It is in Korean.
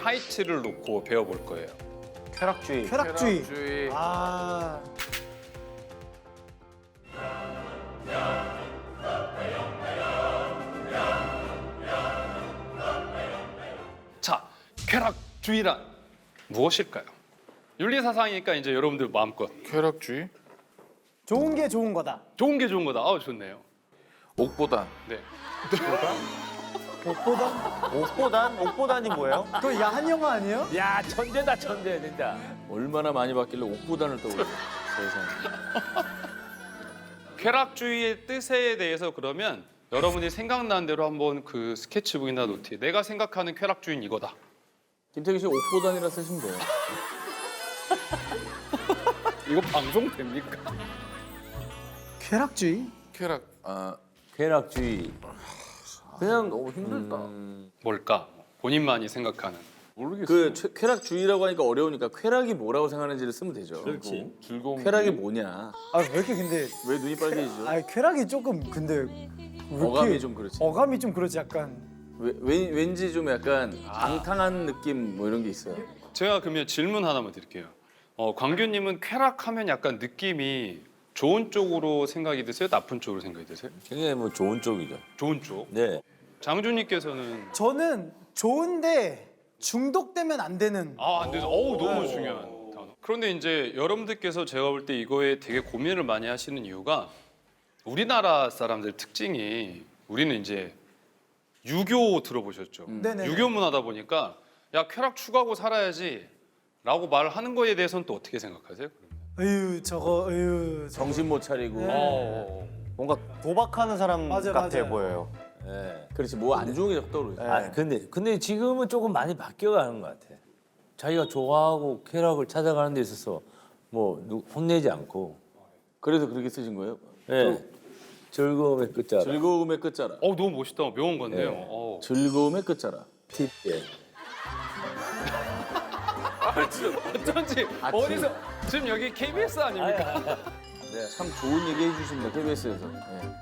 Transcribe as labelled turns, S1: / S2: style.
S1: 타이틀을 놓고 배워볼 거예요.
S2: 쾌락주의.
S3: 쾌락주의.
S2: 아.
S1: 자, 쾌락주의란 무엇일까요? 윤리사상이니까 이제 여러분들 마음껏
S3: 쾌락주의.
S2: 좋은 게 좋은 거다.
S1: 좋은 게 좋은 거다. 좋네요.
S3: 옥보단.
S1: 네.
S2: 옥보단?
S4: 옥보단이 뭐예요?
S2: 그거 야한 영화 아니에요?
S5: 야 천재다 천재 진짜.
S3: 얼마나 많이 봤길래 옥보단을 떠올려. 세상에.
S1: 쾌락주의의 뜻에 대해서 그러면 여러분이 생각나는 대로 한번 그 스케치북이나 노트에 내가 생각하는 쾌락주의는 이거다.
S3: 김태기 씨 옥보단이라 쓰시면 돼요.
S1: 이거 방송 됩니까?
S2: 쾌락주의?
S3: 쾌락.
S5: 쾌락주의. 그냥
S3: 너무 힘들다.
S1: 뭘까? 본인만이 생각하는.
S3: 모르겠어.
S6: 그 쾌락주의라고 하니까 어려우니까 쾌락이 뭐라고 생각하는지를 쓰면 되죠.
S5: 그렇지.
S3: 즐거움.
S6: 쾌락이 뭐냐?
S2: 아 왜 이렇게 근데
S6: 왜 눈이 빨개지죠?
S2: 아 쾌락이 조금 근데 왜 이렇게
S6: 어감이 좀 그렇지.
S2: 어감이 좀 그렇지 약간
S6: 왠지 좀 약간 방탕한 느낌 뭐 이런 게 있어요.
S1: 제가 그러면 질문 하나만 드릴게요. 광규님은 쾌락하면 약간 느낌이 좋은 쪽으로 생각이 드세요? 나쁜 쪽으로 생각이 드세요?
S5: 굉장히 뭐 좋은 쪽이죠.
S1: 좋은 쪽.
S5: 네.
S1: 장준님께서는
S2: 저는 좋은데 중독되면 안 되는
S1: 안 돼서 너무 중요한 단어. 그런데 이제 여러분들께서 제가 볼 때 이거에 되게 고민을 많이 하시는 이유가 우리나라 사람들 특징이 우리는 이제 유교 들어보셨죠?
S2: 네네.
S1: 유교 문화다 보니까 야 쾌락 추구하고 살아야지라고 말하는 거에 대해서는 또 어떻게 생각하세요?
S6: 정신 못 차리고.
S2: 네.
S4: 뭔가 도박하는 사람
S2: 맞아,
S4: 같아
S2: 맞아요.
S4: 보여요.
S5: 네.
S6: 그렇지 뭐 안 좋은 게 자꾸 떠오르죠.
S5: 아 근데 지금은 조금 많이 바뀌어가는 것 같아. 자기가 좋아하고 쾌락을 찾아가는 데 있어서 뭐 혼내지 않고.
S6: 그래서 그렇게 쓰신 거예요?
S5: 네. 즐거움의 끝자락.
S6: 즐거움의 끝자락.
S1: 너무 멋있다. 묘한 건데요.
S6: 즐거움의 끝자락.
S5: 팁. 예.
S1: 어쩐지 어디서 지금 여기 KBS 아닙니까?
S6: 참 좋은 얘기 해주십니다 KBS에서.